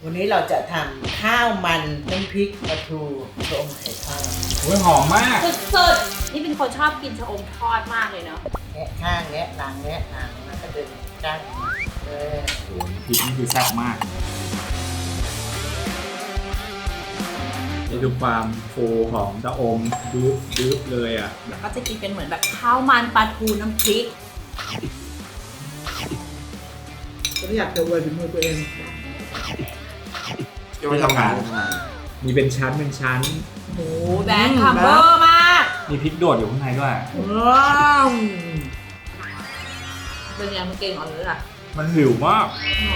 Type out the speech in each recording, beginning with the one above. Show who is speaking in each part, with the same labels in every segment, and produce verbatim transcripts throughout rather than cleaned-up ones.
Speaker 1: วันนี้เราจะทำข้าวมันน้ำพริกปลาทูชะอมไข่ทอด
Speaker 2: โอ้ยหอมมาก
Speaker 3: สุดๆนี่เป็นคนชอบกินชะอมทอดมากเลยเนาะ
Speaker 1: แงะข้างแงะหลังแงะหลังแล้วก็ดึงก้านเลย
Speaker 2: โอ้ยพริกนี่คือแซ่บมากนี่ดูความฟูของชะอมดึ๊บดึ๊บเลยอ่ะ
Speaker 3: ก็จะกินเป็นเหมือนแบบข้าวมันปลาทูน้ำพริก
Speaker 1: ก็อยากจะอวยฝีมือตัวเอง
Speaker 2: ไม่ทำงานมีเป็นชั้นเป็นชั้น
Speaker 3: โอ้แบงค์คัมเบอร์มาก
Speaker 2: มีพริกโดดอยู่ข้างในด้วย
Speaker 1: ว้าว
Speaker 3: เป็นไงมันเก่งอ่อนหรือล่ะ
Speaker 2: มันหิวมาก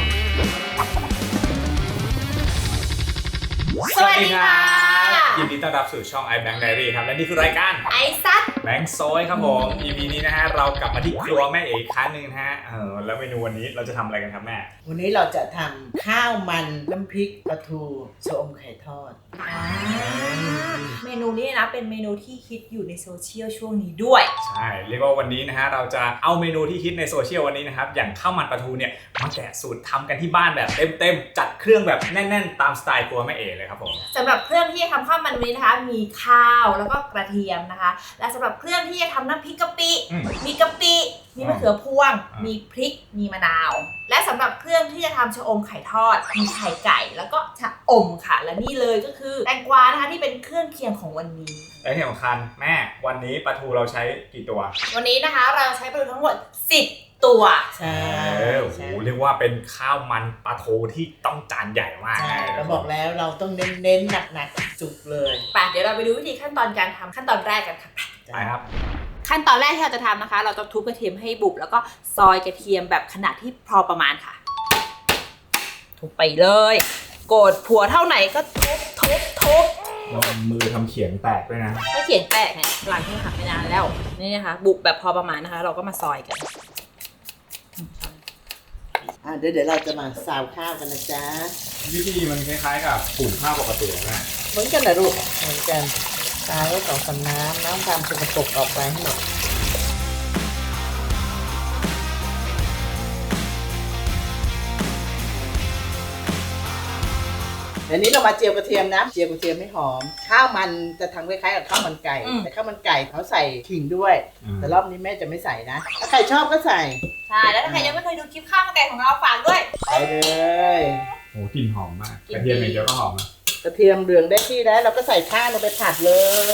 Speaker 3: สวัสดีค่ะ
Speaker 2: ยินดีต้อนรับสู่ช่อง iBank Diary ครับและนี่คือรายการ
Speaker 3: ไอซัด
Speaker 2: แบงค์ซอยครับผม อี พี นี้นะฮะเรากลับมาที่ครัวแม่เอกครั้งหนึ่งนะฮะเออแล้วเมนูวันนี้เราจะทำอะไรกันครับแม่
Speaker 1: วันนี้เราจะทำข้าวมันน้ำพริกปลาทูชะอมไข่ทอด
Speaker 3: เมนูนี้นะเป็นเมนูที่ฮิตอยู่ในโซเชียลช่วงนี้ด้วย
Speaker 2: ใช่เรียกว่าวันนี้นะฮะเราจะเอาเมนูที่ฮิตในโซเชียลวันนี้นะครับอย่างข้าวมันปลาทูเนี่ยมาแกะสูตรทำกันที่บ้านแบบเต็มๆจัดเครื่องแบบแน่นๆตามสไตล์ครัวแม่เอกเลยครับผม
Speaker 3: สำหรับเครื่องที่จะทำข้าวมันวันนี้นะคะมีข้าวแล้วก็กระเทียมนะคะและสำหรับเครื่องที่จะทำน้ำพริกกะปิมีกะปิมีมะเขือพวงมีพริกมีมะนาวและสำหรับเครื่องที่จะทำชะอมไข่ทอดมีไข่ไก่แล้วก็ชะอมค่ะและนี่เลยก็คือแตงกวานะคะที่เป็นเครื่องเคียงของวันนี้
Speaker 2: และที่สำคัญแม่วันนี้ปลาทูเราใช้กี่ตัว
Speaker 3: วันนี้นะคะเราใช้ปลาทูทั้งหมดสิบตัว
Speaker 1: ใช่
Speaker 2: เออโอ้โหเรียกว่าเป็นข้าวมันปลาทูที่ต้องจานใหญ่มาก
Speaker 1: ใช่เราบอกแล้วเราต้องเน้นๆหนักๆจุกๆเลย
Speaker 3: ไปเดี๋ยวเราไปดูวิธีขั้นตอนการทำขั้นตอนแรกกันค่ะ
Speaker 2: ใช่ครับ
Speaker 3: ขั้นตอนแรกที่เราจะทำนะคะ เราจะทุบกระเทียมให้บุบแล้วก็ซอยกระเทียมแบบขนาดที่พอประมาณค่ะทุบไปเลยโกรธผัวเท่าไหนก็ทุบทุบทุบ
Speaker 2: เรามือทำเขียงแตกด้วยนะ
Speaker 3: ถ้าเขียนแตกเนี่ยหลังที่หักไม่นานแล้วนี่นะคะบุบแบบพอประมาณนะคะ เราก็มาซอยกัน
Speaker 1: อ่ะเดี๋ยวเดี๋ยวเราจะมาซาวข้าวกันนะจ๊ะ
Speaker 2: วิธีมันคล้ายๆกับปรุงข้าวปกติแม่
Speaker 1: เหมือนกันนะลูกเหมือนกันซาวไว้สองสามน้ำน้ำความสกปรกออกไปให้หมดเดี๋ยวนี้เรามาเจียวกระเทียมนะเจียวกระเทียมให้หอมข้าวมันจะทำคล้ายๆกับข้าวมันไก่แต่ข้าวมันไก่เขาใส่ขิงด้วยแต่รอบนี้แม่จะไม่ใส่นะถ้าใครชอบก็ใส่
Speaker 3: ใช่แล้วถ้าใครยังไม่เคยดูคลิปข้าวมันไก่ของเราฝากด้วย
Speaker 1: ไปเลย
Speaker 2: โอ้กลิ่นหอมมากกระเทียมอย่างเดียวก็หอมนะ
Speaker 1: กระเทียมเหลืองได้ที่แล้วเราก็ใส่ข้าวลงไปผัดเลย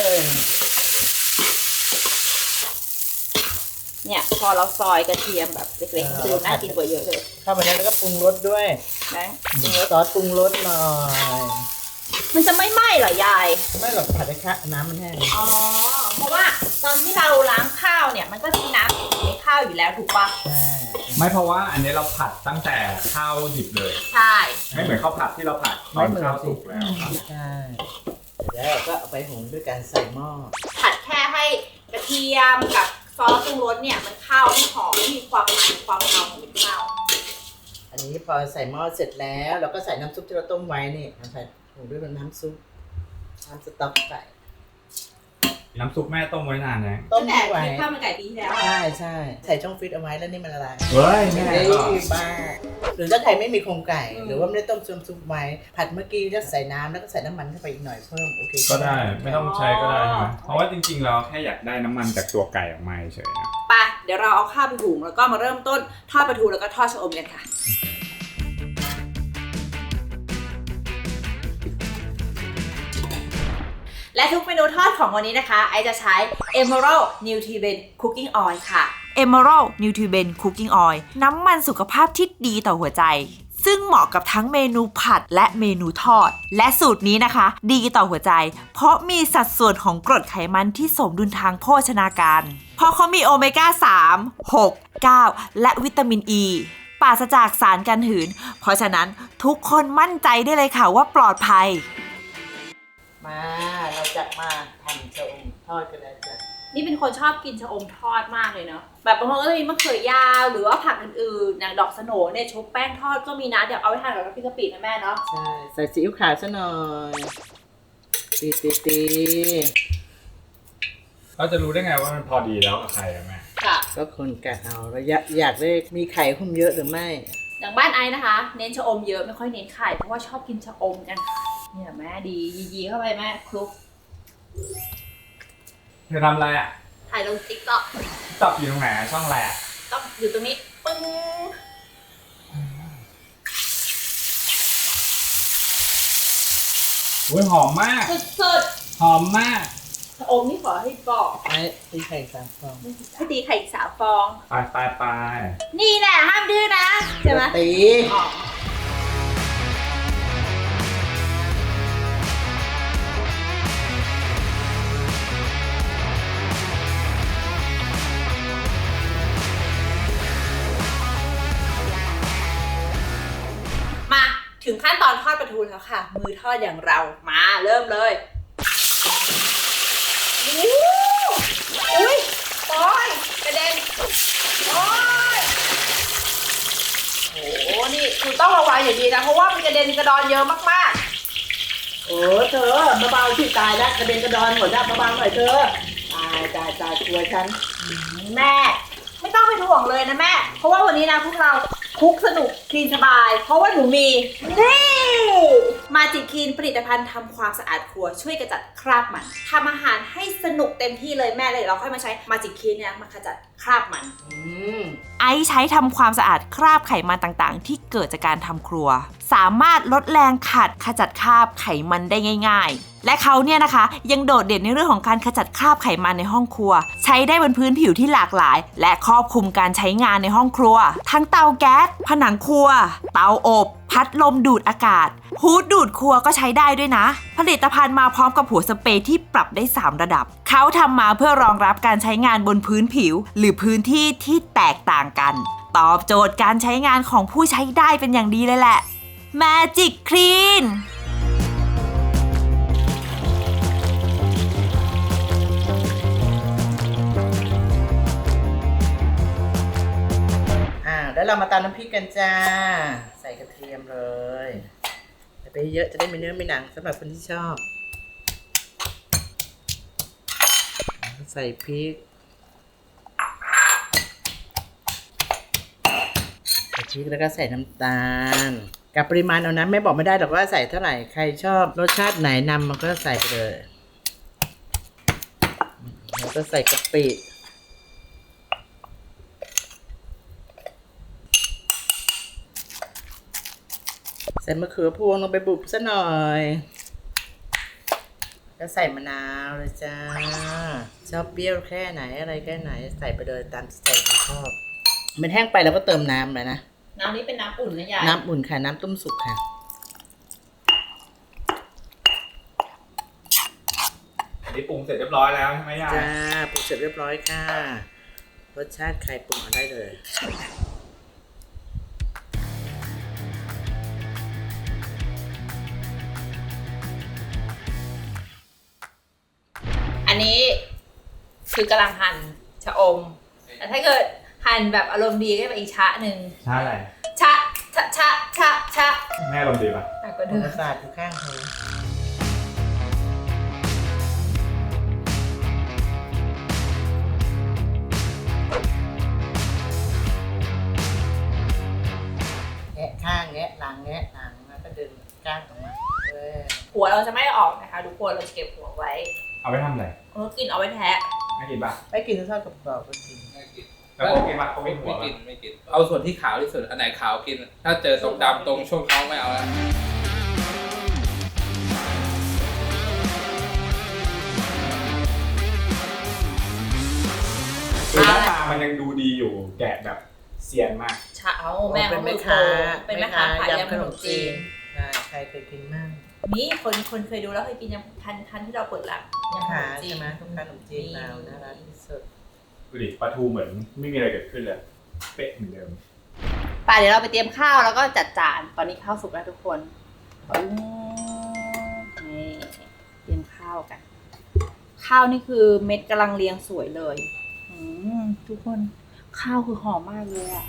Speaker 3: เนี่ยพอเราซอยกระเทียมแบบเล็กๆคือน่ากินกว่าเยอะเลย
Speaker 1: เข้าไปแล้วแล้วก็ปรุงรสด้วย
Speaker 3: แบงค์
Speaker 1: ซอสปรุงรสหน่อย
Speaker 3: มันจะไม่ไหม้เหรอยาย
Speaker 1: ไม่หรอกผัดให้ข้าวน้ำมันแห้ง
Speaker 3: อ๋อ เพราะว่าตอนที่เราล้างข้าวเนี่ยมันก็มีน้ำอยู่ในข้าวอยู่แล้วถูกปะ
Speaker 1: ใช่
Speaker 2: ไม่เพราะว่าอันนี้เราผัดตั้งแต่ข้าวดิบเลย
Speaker 3: ใช่
Speaker 2: ไม่เหมือนข้าวผัดที่เราผัดตอนข้าวสุกแล้วครับ
Speaker 1: ใช่เดี๋ยวเราก็เอาไปหุงด้วยการใส่หม้อ
Speaker 3: ผัดแค่ให้กระเทียมกับซอสปรุงรสเนี่ยมันเข้าให้หอมมีความมันความเงาของเป็นข้าว
Speaker 1: อันนี้พอใส่หม้อเสร็จแล้วเราก็ใส่น้ำซุปที่เราต้มไว้นี่เราใส่หุงด้วยน้ำซุปน้ำสต๊อกใส่
Speaker 2: น้ำซุปแม่ต้มไว้นานนะ
Speaker 1: ต้ม
Speaker 3: แต่
Speaker 1: ไว้
Speaker 3: คลิปข้าวมันไก่ปีที่แล้วอะ
Speaker 1: ใช่ใช่ใส่ช่องฟิตเอาไว้แล้วนี่มันละลาย
Speaker 2: เฮ้ย
Speaker 1: ไม่
Speaker 2: แม่
Speaker 1: ได้
Speaker 2: ก็
Speaker 1: บ้าหรือถ้าใครไม่มีโครงไก่ หรือว่าไม่ได้ต้มซุปไว้ผัดเมื่อกี้ก็ใส่น้ำแล้วก็ใส่น้ำมันเข้าไปอีกหน่อยเพิ่มโอเค
Speaker 2: ก็ได้ไม่ต้องใช้ก็ได้ใช่ไหมเพราะว่าจริงๆเราแค่อยากได้น้ำมันจากตัวไก่ออกมาเฉยๆนะ
Speaker 3: ไปเดี๋ยวเราเอาข้าวไปหุงแล้วก็มาเริ่มต้นทอดปลาทูแล้วก็ทอดชะอมกันค่ะ และทุกเมนูทอดของวันนี้นะคะไอจะใช้ Emerald Nutrient Cooking Oil ค่ะ
Speaker 4: Emerald Nutrient Cooking Oil น้ำมันสุขภาพที่ดีต่อหัวใจ ซึ่งเหมาะกับทั้งเมนูผัดและเมนูทอด และสูตรนี้นะคะ ดีต่อหัวใจ เพราะมีสัดส่วนของกรดไขมันที่สมดุลทางโภชนาการ เพราะเขามีโอเมก้า สาม หก เก้า และวิตามินอ e, ปราศจากสารกันหืน เพราะฉะนั้นทุกคนมั่นใจได้เลยค่ะว่าปลอดภัย
Speaker 1: มาเราจะมาทำชะอมทอดกันแล้วจ้ะ
Speaker 3: นี่เป็นคนชอบกินชะอมทอดมากเลยเนาะแบบบางคนก็จะมีมะเขือยาวหรือว่าผักอื่นๆอย่างดอกสโหนเนี่ยชุบแป้งทอดก็มีนะเดี๋ยวเอาไปทานกับน้ำพริกกะปินะแม่เนาะ
Speaker 1: ใช่ใส่ซีอิ๊วขาวซะหน่อยตีตีตี
Speaker 2: เราจะรู้ได้ไงว่ามันพอดีแล้วกับไข่อะแม่
Speaker 3: ค่ะ
Speaker 1: ก็คนกะเอาแล้วอยากอยากได้มีไข่หุ้มเยอะหรือไม่
Speaker 3: ออย่างบ้านไอ้นะคะ เน้นชะอมเยอะไม่ค่อยเน้นไข่เพราะว่าชอบกินชะอมกันเนี่ยแม่ดียีๆเข้าไปแม่คลุก
Speaker 2: จะทำอะไรอ่ะ
Speaker 3: ถ่ายลงติ๊กต็อก
Speaker 2: ตับอยู่ตรงไหนอะช่องอะไรอ่ะ
Speaker 3: ต้องอยู่ตรงนี้ปึ้ง
Speaker 2: โอ้ยหอมมาก
Speaker 3: สุด
Speaker 2: หอมมาก
Speaker 3: ๆชะอมนี่ขอให้บอก
Speaker 1: ไอ้ตีไข่สามฟอง
Speaker 3: ให้ตีไข่อีกสามฟอง
Speaker 2: ไปไปไป
Speaker 3: นี่แหละห้ามดื้อนะใช่ไหม
Speaker 1: ตี
Speaker 3: อ๋อมาถึงขั้นตอนทอดปลาทูแล้วค่ะ มือทอดอย่างเรามาเริ่มเลยอู้อุ้ยโอ้ยกระเด็นโอ้ยโอ้โหนี่คือต้องระวังอย่างดีนะเพราะว่ามันกระเด็นกระดอนเยอะมาก
Speaker 1: โอ้เธอเบาๆที่ตายแล้วกระเด็นกระดอนหมดแล้วเบาๆหน่อยเธอตายตายตายกลัวฉัน
Speaker 3: ๆแม่ไม่ต้องเป็นห่วงเลยนะแม่เพราะว่าวันนี้นะพวกเราคุกสนุกคลีนสบาย เพราะว่าหนูมีนี่มาจิคลีนผลิตภัณฑ์ทำความสะอาดครัวช่วยกระจัดคราบมันทำอาหารให้สนุกเต็มที่เลยแม่เลยเราค่อยมาใช้มาจิคลีนเนี่ยมาขจัดคราบมัน
Speaker 1: อืม
Speaker 4: ไอซ์ใช้ทำความสะอาดคราบไขมันต่างๆ ที่เกิดจากการทำครัว สามารถลดแรงขัดขจัดคราบไขมันได้ง่ายๆ และเขาเนี่ยนะคะยังโดดเด่นในเรื่องของการขจัดคราบไขมันในห้องครัว ใช้ได้บนพื้นผิวที่หลากหลาย และครอบคลุมการใช้งานในห้องครัว ทั้งเตาแก๊สผนังครัว เตาอบ พัดลมดูดอากาศฮูดดูดครัวก็ใช้ได้ด้วยนะ ผลิตภัณฑ์มาพร้อมกับหัวสเปรย์ที่ปรับได้สามระดับ เขาทำมาเพื่อรองรับการใช้งานบนพื้นผิว หรือพื้นที่ที่แตกต่างกัน ตอบโจทย์การใช้งานของผู้ใช้ได้เป็นอย่างดีเลยแหละ Magic Clean
Speaker 1: อ่าแล้วเรามาตำน้ำพริกกันจ้า ใส่กระเทียมเลยใส่ไปเยอะจะได้ไม่เนื้อไม่หนังสำหรับคนที่ชอบ ใส่พริกใส่พริกแล้วก็ใส่น้ำตาลกับปริมาณเอานะแม่บอกไม่ได้หรอกว่าใส่เท่าไหร่ใครชอบรสชาติไหนนำมันก็ใส่ไปเลยแล้วก็ใส่กะปิใส่มะเขือพวงลงไปบุบซะหน่อยแล้วใส่มะนาวเลยจ้าชอบเปรี้ยวแค่ไหนอะไรแค่ไหนใส่ไปเลยตามใจที่ชอบมันแห้งไปเราก็เติมน้ำเลยนะ
Speaker 3: น้ำนี้เป็นน้ำอุ่นนะยาย
Speaker 1: น้ำอุ่นค่ะน้ำต้มสุกค่ะ
Speaker 2: อันนี้ปรุงเสร็จเรียบร้อยแล้วใช่ไหมยาย
Speaker 1: จ้าปรุงเสร็จเรียบร้อยค่ะรสชาติใครปรุงเอาได้เลย
Speaker 3: อันนี้คือกำลังหั่นชะอมแต่ถ้าเกิดหั่นแบบอารมณ์ดีก็เป็นอีกชะหนึ่ง
Speaker 2: ใช่อะไร
Speaker 3: ชะชะชะชะชะ
Speaker 2: แม่ลมณ์ดีป่ะ
Speaker 3: หนักกว่า
Speaker 1: ป
Speaker 3: เดิ
Speaker 1: ระ
Speaker 3: ม
Speaker 1: สาทอยู่ข้างเธอแงะข้างแงะหลังแงะหลังแล้วก็ดึงก้านออกมาเออ
Speaker 3: หัวเราจะไม่ออกนะคะทุกคนเราจะเก็บหัวไว้
Speaker 2: เอาไปทำอะไร
Speaker 3: เรากินเอาไว้แทะ
Speaker 2: ไม่กินป่ะ
Speaker 1: ไม่กินทอดกรอบๆก็กิน
Speaker 5: ไม่กิน
Speaker 2: แล้วเขากินป่ะเขาไม่หัว
Speaker 5: ไม่
Speaker 2: ป่ะ
Speaker 5: กินไม่กิน เอาส่วนที่ขาวที่สุด อันไหนขาวกิน ถ้าเจอตรงดำตรงช่วงท้องไม่เอาแล้ว
Speaker 2: คือหน้าตามันยังดูดีอยู่แกะแบบเซียนมาก
Speaker 3: ชะเอาแม่
Speaker 1: เป็
Speaker 3: เขา
Speaker 1: น
Speaker 3: มื
Speaker 1: แม่
Speaker 3: อโปร
Speaker 1: ค้า
Speaker 3: เป็นแม่ค้าขายยำขนมจีน
Speaker 1: ใช่ใครเคยกินมั่ง
Speaker 3: นี่คนคนเคยดูแล้วเคยกินยำทันทันที่เราเปิดร้านยำข
Speaker 1: ขาน
Speaker 3: มจี
Speaker 1: ใช่
Speaker 3: น
Speaker 1: ไหมทุกขนมจีนเราน่ารักที่สุด
Speaker 2: ดูดิปลาทูเหมือนไม่มีอะไรเกิดขึ้นเลย เป๊ะเหมือนเดิม
Speaker 3: ป่ะเดี๋ยวเราไปเตรียมข้าวแล้วก็จัดจานตอนนี้ข้าวสุกแล้วทุกคนปึ้งนี่เตรียมข้าวกัน ข้าวนี่คือเม็ดกำลังเรียงสวยเลยอืมทุกคนข้าวคือหอมมากเลยอะ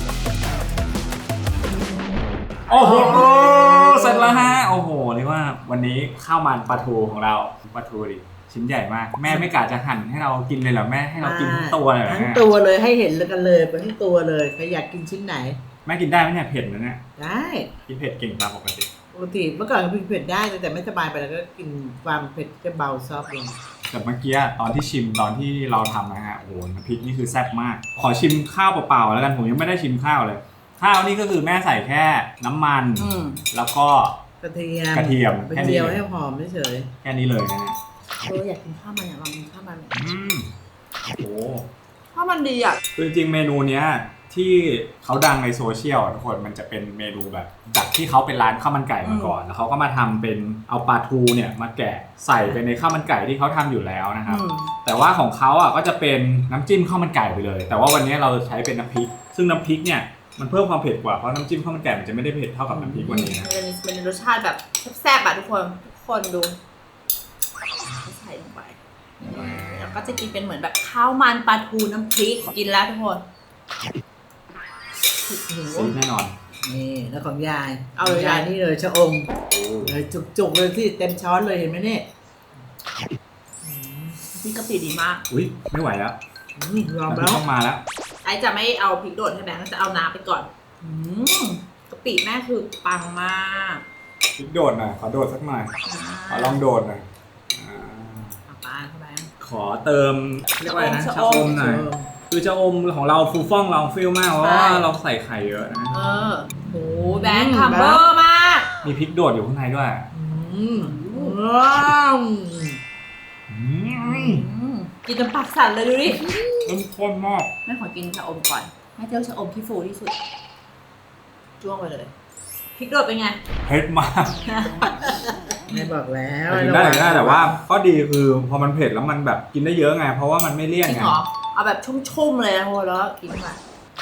Speaker 2: โอ้โห เสร็จแล้วฮะ โอ้โหเรียกว่าวันวันนี้ข้าวมันปลาทูของเราปลาทูดิชิ้นใหญ่มากแม่ไม่กะจะหั่นให้เรากินเลยเหรอแม่ให้เรากินทั้งตัวเลยเหรอ
Speaker 1: ทั้ง
Speaker 2: แม่
Speaker 1: ตัวเลยให้เห็นกันเลยเป็นทั้งตัวเลยใครอยากกินชิ้นไหน
Speaker 2: แม่กินได้ไหมเนี่ยเผ็ดนะเนี่ย
Speaker 1: ได้
Speaker 2: กินเผ็ดเก่งตามปกติ
Speaker 1: ปกติเมื่อก่อนก็กินเผ็ดได้แต่ไม่สบายไปแล้วก็กินความเผ็ดจะเบาซอฟต์ลง
Speaker 2: แต่เมื่อกี้ตอนที่ชิมตอนที่เราทำนะฮะโอ้โหน้ำพริกนี่คือแซ่บมากขอชิมข้าวเปล่าๆแล้วกันผมยังไม่ได้ชิมข้าวเลยข้าวนี่ก็คือแม่ใส่แค่น้ำมัน
Speaker 1: อืม
Speaker 2: แล้วก็
Speaker 1: กระเทียม
Speaker 2: กระเทียม
Speaker 1: ไป
Speaker 2: แค่นี้
Speaker 1: เจียว
Speaker 2: เลย
Speaker 1: ให้หอมเฉย
Speaker 2: แค่นี้เลยนะฮะ
Speaker 3: เอออยากกินข้าวมันอยากลองกินข้าวมัน
Speaker 2: อืมโอ้
Speaker 3: ข้าวมันดีอ่ะ
Speaker 2: คือจริงๆเมนูเนี้ยที่เขาดังในโซเชียลทุกคนมันจะเป็นเมนูแบบจากที่เขาเป็นร้านข้าวมันไก่มาก่อนแล้วเขาก็มาทำเป็นเอาปลาทูเนี่ยมาแกะใส่ไปในข้าวมันไก่ที่เขาทำอยู่แล้วนะครับ
Speaker 1: อืม
Speaker 2: แต่ว่าของเขาอ่ะก็จะเป็นน้ำจิ้มข้าวมันไก่ไปเลย แต่ว่าวันนี้เราใช้เป็นน้ำพริก ซึ่งน้ำพริกเนี่ยมันเพิ่มความเผ็ดกว่าเพราะน้ำจิ้มข้าวมันไก่มันจะไม่ได้เผ็ดเท่ากับน้ำพริกวันนี้นะ
Speaker 3: มันจะมีมันมีรสชาติแบบแซ่บๆอ่ะทุกคนทุกคนดูใส่ลงไปแล้วก็จะกินเป็นเหมือนแบบข้าวมันปลาทูน้ำพริกกินแล้วทุกคน
Speaker 2: ซีดแน่นอน
Speaker 1: นี่แล้วของยายเอาเลยยายนี่เลยชะอมเลยจุกๆเลยที่เต็มช้อนเลยเห็นไหมเนี่ย
Speaker 3: พริกกะปิดีมาก
Speaker 2: อุ้ยไม่ไหวแล้ว
Speaker 1: อืมยอม
Speaker 2: น้ำพริ
Speaker 1: แล้
Speaker 2: ก
Speaker 1: ว
Speaker 2: ต้องมาแล้ว
Speaker 3: ไอจะไม่เอาพริกโดดให้แบงค์จะเอาน้ำไปก่อนอืมกะปิแม่คือปังมาก
Speaker 2: พริกโดดหน่อยขอโดดสักหน่อยขอลองโดดหน่อยอ่า
Speaker 3: เอาไปเข้าไป
Speaker 2: ขอเติมเรียกว่าอะไรนะ
Speaker 3: ชะ
Speaker 2: ชะ
Speaker 3: อ
Speaker 2: อ
Speaker 3: ม
Speaker 2: มหน่อยคือชะอมของเราฟูฟ่องลองฟิลมากเพราะว่าเราใส่ไข่เยอะนะ
Speaker 3: เออโหแบงค์คัมเบอร์มาก
Speaker 2: มีพริกโดดอยู่ข้างในด้วย
Speaker 1: อืมว้าว
Speaker 2: อืม
Speaker 3: อืมกินจนปากสั่นเลยดูดิ
Speaker 2: เข้มข้นมาก
Speaker 3: แม่ขอกินชะอมก่อนให้เจ้าชะอมที่ฟูที่สุดจ้วงไปเลยพริกโดดเป็นไง
Speaker 2: เผ็ดมาก
Speaker 1: ไม่บอกแล้ว
Speaker 2: กินได้กินได้แต่ว่าข้อดีคือพอมันเผ็ดแล้วมันแบบกินได้เยอะไงเพราะว่ามันไม่เลี่ยน
Speaker 3: จริง
Speaker 2: ไง
Speaker 3: เหรอเอาแบบชุ่มๆเลยนะโหแล้วกินมา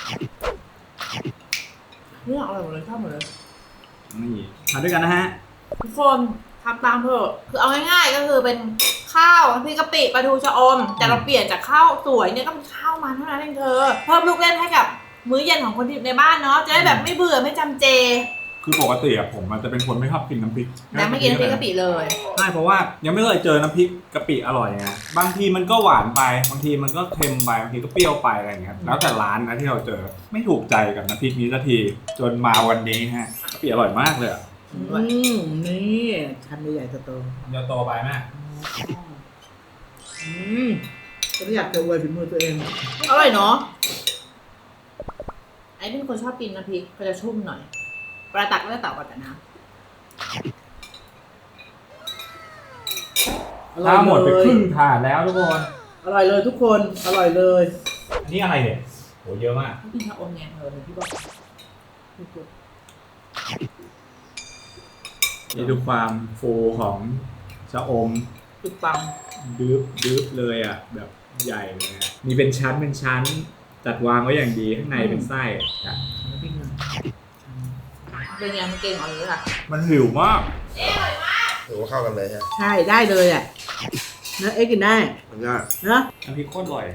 Speaker 3: เรื่องอะไรหมดเลยชอบหมดเลย
Speaker 2: นี่ทานด้วยกันนะฮะ
Speaker 3: ทุกคนทำตามเถอะคือเอาง่ายๆก็คือเป็นข้าวน้ำพริกกะปิปลาทูชะอม แต่เราเปลี่ยนจากข้าวสวยเนี่ยก็เป็นข้าวมันเท่านั้นเองเธอเพิ่มลูกเล่นให้กับมื้อเย็นของคนที่อยู่ในบ้านเนาะจะได้แบบไม่เบื่อไม่จำเจ
Speaker 2: คือปกติอะผมมันจะเป็นคนไม่ชอบกินน้ำพริก
Speaker 3: แม่ไม่กินน้ำพริกกะปิเลย
Speaker 2: ใช่เพราะว่ายังไม่เคยเจอน้ำพริกกะปิอร่อยไงบางทีมันก็หวานไปบางทีมันก็เค็มไปบางทีก็เปรี้ยวไปอะไรอย่างเงี้ยแล้วแต่ร้านนะที่เราเจอไม่ถูกใจกับน้ำพริกนี้สักทีจนมาวันนี้ฮะกะปิอร่อยมากเลยอะ
Speaker 1: อืมนี่ทำใหญ่ๆโต
Speaker 2: จะโตไปแม่
Speaker 1: ๆอืมก็อยากจะอวยฝีมือตัวเอง
Speaker 3: อร่อยเนาะไอ้เป็นคนชอบกินน้ำพริกก็จะชุ่มหน่อยปลาตักก็จะต่อกันแต่น้
Speaker 1: อร่อย
Speaker 2: ถ้าหมดไป
Speaker 1: เล
Speaker 2: ค
Speaker 1: ย
Speaker 2: รึ่งถาดแล้วทุกคน
Speaker 1: อร่อยเลยทุกคนอร่อยเลย
Speaker 2: อันนี่อะไรเนี่ยโหเยอะมาก
Speaker 3: ำเขากินชะอมไงเธอที่บอก
Speaker 2: นี่ดูความฟูของชะอม
Speaker 3: จุดปัง
Speaker 2: ดื๊บดื๊บเลยอ่ะแบบใหญ่เลยนะมีเป็นชั้นเป็นชั้นจัดวางไว้อย่างดีข้างในเป็นไส้อ่ะ
Speaker 1: น้ำพริกหนึ่ง
Speaker 3: เป็นไงมันเก่งอ่อนเลยค่ะ
Speaker 2: มันหิวมาก
Speaker 6: หรือว่าเข้ากันเลยใช่ไหม
Speaker 1: ใช่ได้เลยอ่ะเนื้อเอ็กกินได้
Speaker 6: มันก็
Speaker 1: เนอะ
Speaker 2: น้ำพริกโคตรอร่อย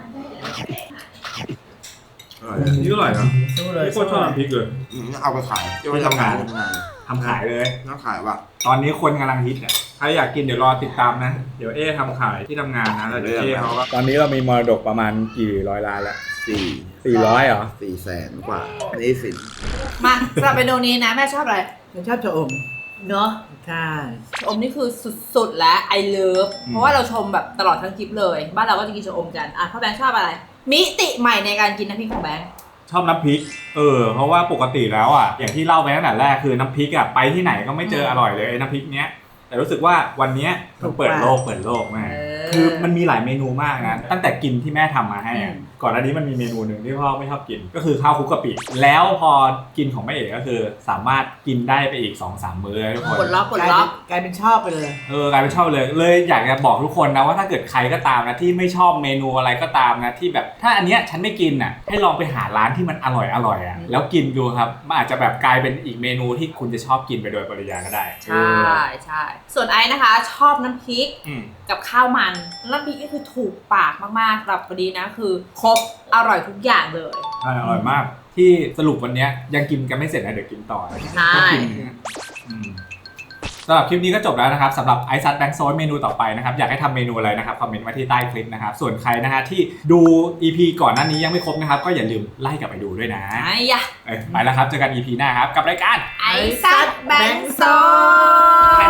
Speaker 6: อร่อย
Speaker 2: นี่ก็อร่อยเนาะ
Speaker 1: สู้เลย
Speaker 2: พี่โคตรชอบน้ำพริกเลย
Speaker 6: อืมเอาไปขายจะไปทำงานทำงาน
Speaker 2: ทำขายเลย
Speaker 6: น้าขายว่ะ
Speaker 2: ตอนนี้คนกำลังฮิตอ่ะใครอยากกินเดี๋ยวรอติดตามนะ เดี๋ยวเอ๊ทำขายที่ทำงานนะแล้วเดี๋ยวเอ๊เขาก็ตอนนี้เรามีมรดกประมาณกี่ร้อยล้านแล้ว
Speaker 6: สี่
Speaker 2: สี่ร้อยเหรอ
Speaker 6: สี่แสนกว่านี่สิน
Speaker 3: มาสำหรับเมนูนี้นะแม่ชอบอะไร
Speaker 1: ฉันชอบชะอม
Speaker 3: เนาะ
Speaker 1: ใช่
Speaker 3: ชะอมนี่คือสุดๆและไอเลิฟเพราะว่าเราชมแบบตลอดทั้งคลิปเลย บ้านเราก็จะกินชะอมกันอ่ะพ่อแบงค์ชอบอะไร มิติใหม่ในการกินน้ำพริกของแบงค์
Speaker 2: ชอบน้ำพริก เออ เพราะว่าปกติแล้วอ่ะ อย่างที่เล่าไปตั้งแต่แรกคือน้ำพริกอ่ะไปที่ไหนก็ไม่เจออร่อยเลยไอ้น้ำพริกเนี้ย แต่รู้สึกว่าวันเนี้ยมันเปิดโลกเปิดโลกแม่
Speaker 3: เออ
Speaker 2: คือมันมีหลายเมนูมากนะ ตั้งแต่กินที่แม่ทำมาให้อะ
Speaker 3: อืม
Speaker 2: ก่อนหน้านี้มันมีเมนูหนึ่งที่พ่อไม่ชอบกิน ก็คือข้าวคลุกกะปิ แล้วพอกินของแม่เอกก็คือ สามารถกินได้ไปอีก สองสาม มื้อเลยทุกคน
Speaker 3: กดล็อกก
Speaker 1: ก
Speaker 3: ด
Speaker 1: ลาย
Speaker 3: ล็
Speaker 1: เป็
Speaker 3: อน ก
Speaker 1: กลายเป็นชอบไปเลย
Speaker 2: เออกลายเป็นชอบเลย เลยอยากจะบอกทุกคนนะว่าถ้าเกิดใครก็ตามนะที่ไม่ชอบเมนูอะไรก็ตามนะที่แบบถ้าอันเนี้ยฉันไม่กินอ่ะให้ลองไปหาร้านที่มันอร่อยอร่อยอ่ะแล้วกินดูครับมันอาจจะแบบกลายเป็นอีกเมนูที่คุณจะชอบกินไปโดยปริยายก็ได้
Speaker 3: ใช่ใช่ส่วนไอ้นะคะ ชอบน้ำพริก
Speaker 2: อืม
Speaker 3: กับข้าวมันน้ำพริกก็คือถูกปากมากๆสำหรับวันนี้นะคือครบอร่อยทุกอย่างเลย
Speaker 2: อร่อยมาก ที่สรุปวันเนี้ยยังกินกันไม่เสร็จนะเดี๋ยวกินต่อ
Speaker 3: ใช่
Speaker 2: ต้องกินอืมสำหรับคลิปนี้ก็จบแล้วนะครับสำหรับไอซัดแบงค์โซนเมนูต่อไปนะครับอยากให้ทำเมนูอะไรนะครับคอมเมนต์มาที่ใต้คลิปนะครับส่วนใครนะฮะที่ดู อี พี ก่อนหน้านี้ยังไม่ครบนะครับก็อย่าลืมไล่กลับไปดูด้วยนะ
Speaker 3: ไอ้ยะ
Speaker 2: เอ้ยไปแล้วครับเจอกัน อี พี หน้าครับกับรายการ
Speaker 3: ไอ้ซัดแบงค์โซน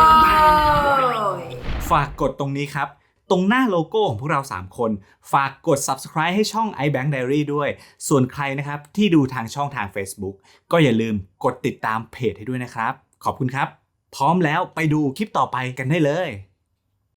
Speaker 2: ฝากกดตรงนี้ครับตรงหน้าโลโก้ของพวกเราสามคนฝากกด Subscribe ให้ช่อง iBank Diary ด้วยส่วนใครนะครับที่ดูทางช่องทาง Facebook ก็อย่าลืมกดติดตามเพจให้ด้วยนะครับขอบคุณครับพร้อมแล้วไปดูคลิปต่อไปกันได้เลย